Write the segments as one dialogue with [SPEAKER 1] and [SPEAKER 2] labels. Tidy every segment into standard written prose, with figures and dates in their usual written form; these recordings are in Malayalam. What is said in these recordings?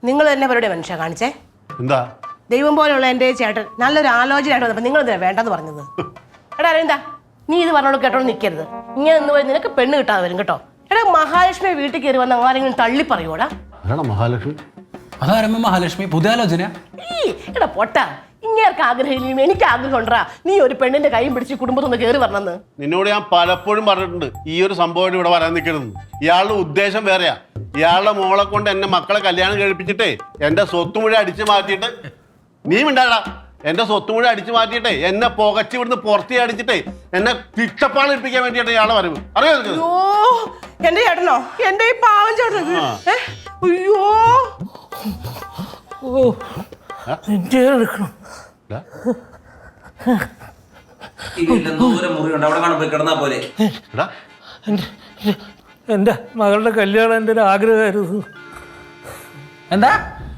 [SPEAKER 1] നിങ്ങൾ തന്നെ പരിപാടി മനുഷ്യ കാണിച്ചേ
[SPEAKER 2] എന്താ
[SPEAKER 1] ദൈവം പോലെയുള്ള എൻ്റെ ചേട്ടൻ നല്ലൊരു ആലോചനയായിട്ട് വന്നപ്പോൾ നിങ്ങൾ എന്തിനാ വേണ്ടെന്ന് പറഞ്ഞത്? എടാ അരവിന്ദ, നീ ഇത് പറഞ്ഞോട് കേട്ടോണ്ട് നിൽക്കരുത്. ഇങ്ങനെ നിന്ന് പോയി നിനക്ക് പെണ്ണ് കിട്ടാതെ വരും കേട്ടോ. എടാ മഹാലക്ഷ്മി വീട്ടിൽ കയറി വന്ന ആരെങ്കിലും തള്ളി പറയൂടാ?
[SPEAKER 2] മഹാലക്ഷ്മി
[SPEAKER 3] അതാരമ്മ മഹാലക്ഷ്മി പുതിയ ആലോചന?
[SPEAKER 1] എടാ പൊട്ടാ, ഇങ്ങേർക്ക് ആഗ്രഹം എനിക്ക് ആഗ്രഹം ഉണ്ടാ നീ ഒരു പെണ്ണിന്റെ കൈയും പിടിച്ച് കുടുംബത്തൊന്ന് കയറി വരണമെന്ന്.
[SPEAKER 2] നിന്നോട് ഞാൻ പലപ്പോഴും പറഞ്ഞിട്ടുണ്ട് ഈ ഒരു സംഭവം ഇവിടെ വരാൻ നിൽക്കരുത്. ഇയാളുടെ ഉദ്ദേശം വേറെയാ. ഇയാളുടെ മോളെ കൊണ്ട് എന്നെ മക്കളെ കല്യാണം കഴിപ്പിച്ചിട്ടേ എന്റെ സ്വത്ത് മുഴുവൻ അടിച്ചു മാറ്റിയിട്ട് നീ മിണ്ടാടാ എന്റെ സ്വത്ത് മുഴുവൻ അടിച്ചു മാറ്റിയിട്ടേ എന്നെ പുകച്ച് ഇവിടുന്ന് പുറത്തേ അടിച്ചിട്ടേ എന്നെ തിട്ടപ്പാട് ഇരിപ്പിക്കാൻ വേണ്ടിയിട്ട് ഇയാളെ വരവ് അറിയോ?
[SPEAKER 1] എന്റെ ചേട്ടനോ? എന്റെ ഈ പാവം ചേട്ടൻ. അയ്യോ
[SPEAKER 4] എന്റെ മകളുടെ കല്യാണം എൻ്റെ ഒരു ആഗ്രഹമായിരുന്നു.
[SPEAKER 3] എന്താ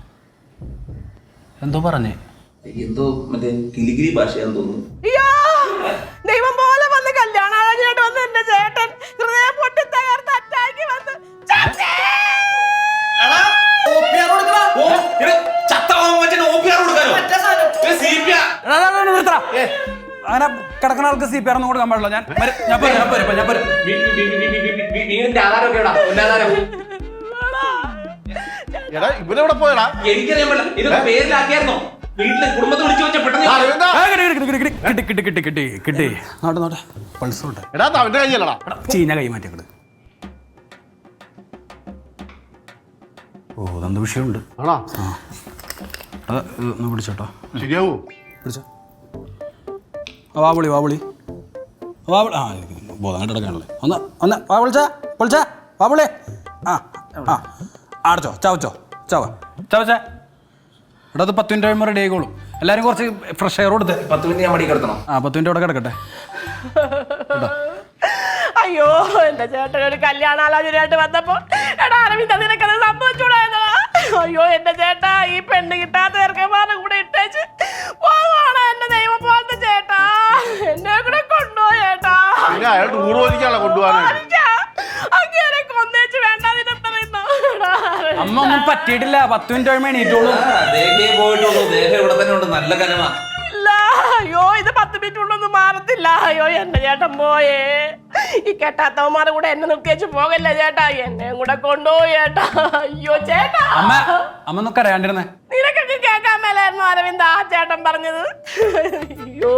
[SPEAKER 3] എന്തോ പറഞ്ഞേ?
[SPEAKER 5] എന്തോ മറ്റേ കിലിഗിരി ഭാഷയാന്ന് തോന്നുന്നു.
[SPEAKER 1] അയ്യോ ദൈവം പോലെ വന്ന് കല്യാണാലോചനയായിട്ട് വന്ന് എന്റെ ചേട്ടൻ ഹൃദയം പൊട്ടി തകർത്ത് അറ്റാക്കി വന്ന്
[SPEAKER 3] അങ്ങനെ കിടക്കുന്ന ആൾക്ക് CPR ഒന്നും കൊടുക്കാൻ പാടില്ല.
[SPEAKER 2] ഇവരെവിടെ പോയടാ?
[SPEAKER 5] എനിക്കറിയാൻ പറ്റില്ല. ഇത് പേരിലാക്കിയായിരുന്നോ? വീട്ടിലെ കുടുംബത്തെ വിളിച്ചു വെച്ച പെട്ടെന്ന്
[SPEAKER 3] കിട്ടി നോട്ടെ പൾസോട്ടെ
[SPEAKER 2] എടാ അവന്റെ കയ്യല്ലടാ
[SPEAKER 3] ചീഞ്ഞ കൈ മാറ്റിയത്. ഓ അതെന്ത് വിഷയമുണ്ട്.
[SPEAKER 2] ആണോ?
[SPEAKER 3] അത് ഒന്ന് പിടിച്ചോട്ടോ.
[SPEAKER 2] ശരിയാവൂ?
[SPEAKER 3] പിടിച്ചോ. വാവിളി വാവിളി വാവിളി. ആ ബോധം കിടക്കാണല്ലേ. ഒന്ന് വിളിച്ചാ വാവിളി. ആ ആ അടച്ചോ ചവച്ചോ ചവച്ചേ. എടാ അത് 10 മിനിറ്റ് കഴിയുമ്പോൾ റെഡി ആയിക്കോളും. എല്ലാവരും കുറച്ച് ഫ്രഷ് എയർ കൊടുത്ത്
[SPEAKER 5] 10 മിനിറ്റ് ഞാൻ മടി കിടത്തണം.
[SPEAKER 3] 10 മിനിറ്റ് അവിടെ കിടക്കട്ടെ.
[SPEAKER 1] അയ്യോ എന്റെ ചേട്ടൻ ഒരു കല്യാണാലോചനയായിട്ട് വന്നപ്പോ എടാ അരവിന്ദ നിനക്കത് സംഭവിച്ചൂടായിരുന്നോ? അയ്യോ എന്റെ ചേട്ടാ ഈ പെണ്ണ് കിട്ടാത്ത ചെറുക്കന്മാരുടെ കൂടെ ഇട്ടേച്ച് പോവാണ് എന്റെ ദൈവം പോലത്തെ ചേട്ടാ. എന്നെ കൂടെ കൊണ്ടുപോയി ചേട്ടാ.
[SPEAKER 2] അയാൾ ടൂർ പോലിക്കാണല്ലോ കൊണ്ടുപോകാനായിട്ട്.
[SPEAKER 1] അങ്ങനെ കൊന്നേച്ച് വേണ്ടാതിനെ
[SPEAKER 3] അമ്മ ഒന്നും പറ്റിയിട്ടില്ല. 10 മിനിറ്റ് കഴിയുമ്പോൾ എണീറ്റോളൂ.
[SPEAKER 5] ദേഹേ പോയിട്ടുള്ളൂ. ദേഹം ഇവിടെ തന്നെ ഉണ്ട്. നല്ല കനമാ.
[SPEAKER 1] അയ്യോ ഇത് 10 മിനിറ്റ് കൊണ്ടൊന്നും മാറത്തില്ല. അയ്യോ എന്റെ ചേട്ടൻ പോയേ. ഈ കെട്ടാത്തവന്മാരെ കൂടെ എന്നെ നിർത്തിയേച്ച് പോകല്ലേ ചേട്ടാ. എന്നെ കൂടെ കൊണ്ടുപോയി ചേട്ടാ. അയ്യോ ചേട്ടാ
[SPEAKER 3] അമ്മ ഒന്നും കരയാണ്ടിരുന്നേ.
[SPEAKER 1] നിനക്കൊക്കെ കേൾക്കാൻ മേലായിരുന്നു അരവിന്ദ് ആ ചേട്ടൻ പറഞ്ഞത്. അയ്യോ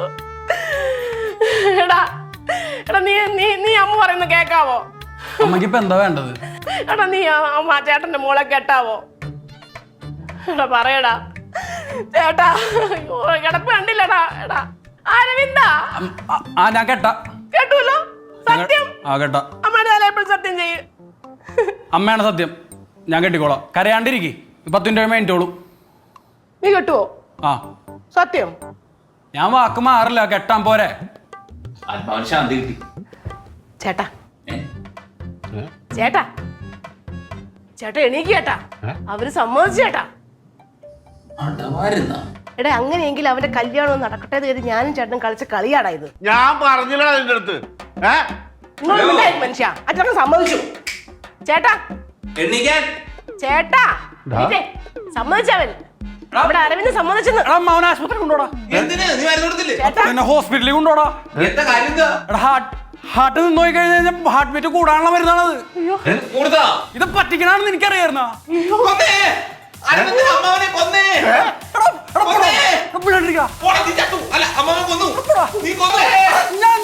[SPEAKER 1] എടാ എടാ നീ നീ നീ അമ്മ പറയുന്നത് കേക്കാവോ?
[SPEAKER 3] അമ്മക്ക് ഇപ്പൊ എന്താ വേണ്ടത്?
[SPEAKER 1] എടാ നീ അമ്മ ചേട്ടന്റെ മോളെ കേട്ടാവോ? എടാ പറയടാ ചേട്ടാ. കിടപ്പ് കണ്ടില്ലടാ. എടാ അരവിന്ദ
[SPEAKER 3] ഞാൻ കേട്ടാ
[SPEAKER 1] കേട്ടൂല്ലോ. സത്യം
[SPEAKER 3] കേട്ടാ.
[SPEAKER 1] അമ്മയുടെ തല എപ്പോഴും സത്യം ചെയ്യും.
[SPEAKER 3] അമ്മയാണ് സത്യം. ഞാൻ കെട്ടിക്കോളാം. കരയാണ്ടിരിക്കും. 10 മിനിറ്റ് കഴിയുമ്പോൾ എണീറ്റോളൂ.
[SPEAKER 1] നീ കെട്ടുവോ? സത്യം.
[SPEAKER 3] ഞാൻ വാക്ക് മാറില്ല. കെട്ടാൻ പോരെ.
[SPEAKER 5] ആത്മാവിന് ശാന്തി കിട്ടി.
[SPEAKER 1] ചേട്ടാ ചേട്ടാ ചേട്ടാ എണീക്ക് ചേട്ടാ. അവര് സമ്മതിച്ചു ചേട്ടാ. എടാ അങ്ങനെയെങ്കിൽ അവന്റെ കല്യാണം നടക്കട്ടെ എന്ന് കരുതി ഞാനും ചേട്ടനും കളിച്ച കളിയാടാ ഇത്.
[SPEAKER 2] ഞാൻ പറഞ്ഞില്ല അതിന്റെ അടുത്ത്.
[SPEAKER 1] മനുഷ്യ അച്ഛൻ സമ്മതിച്ചു ചേട്ടാ.
[SPEAKER 5] എണീക്കാൻ
[SPEAKER 1] ചേട്ടാ സമ്മതിച്ചവൻ. അവിടെ അരവിന്ദ് സമ്മതിച്ചെന്ന്.
[SPEAKER 3] ആശുപത്രി കൊണ്ടോടാ.
[SPEAKER 5] എന്തിനാ നീ മരുന്ന് കൊടുത്തില്ലേ?
[SPEAKER 3] പിന്നെ ഹോസ്പിറ്റലിൽ കൊണ്ടോടാ.
[SPEAKER 5] എന്താ കാര്യം എന്താ?
[SPEAKER 3] ഹാർട്ട് നിന്ന് നോക്കി കഴിഞ്ഞാൽ ഹാർട്ട് ബീറ്റ് കൂടാനുള്ള മരുന്നാണത്. ഇത് പറ്റിക്കണമെന്ന് എനിക്കറിയായിരുന്നോ?
[SPEAKER 5] ഞാൻ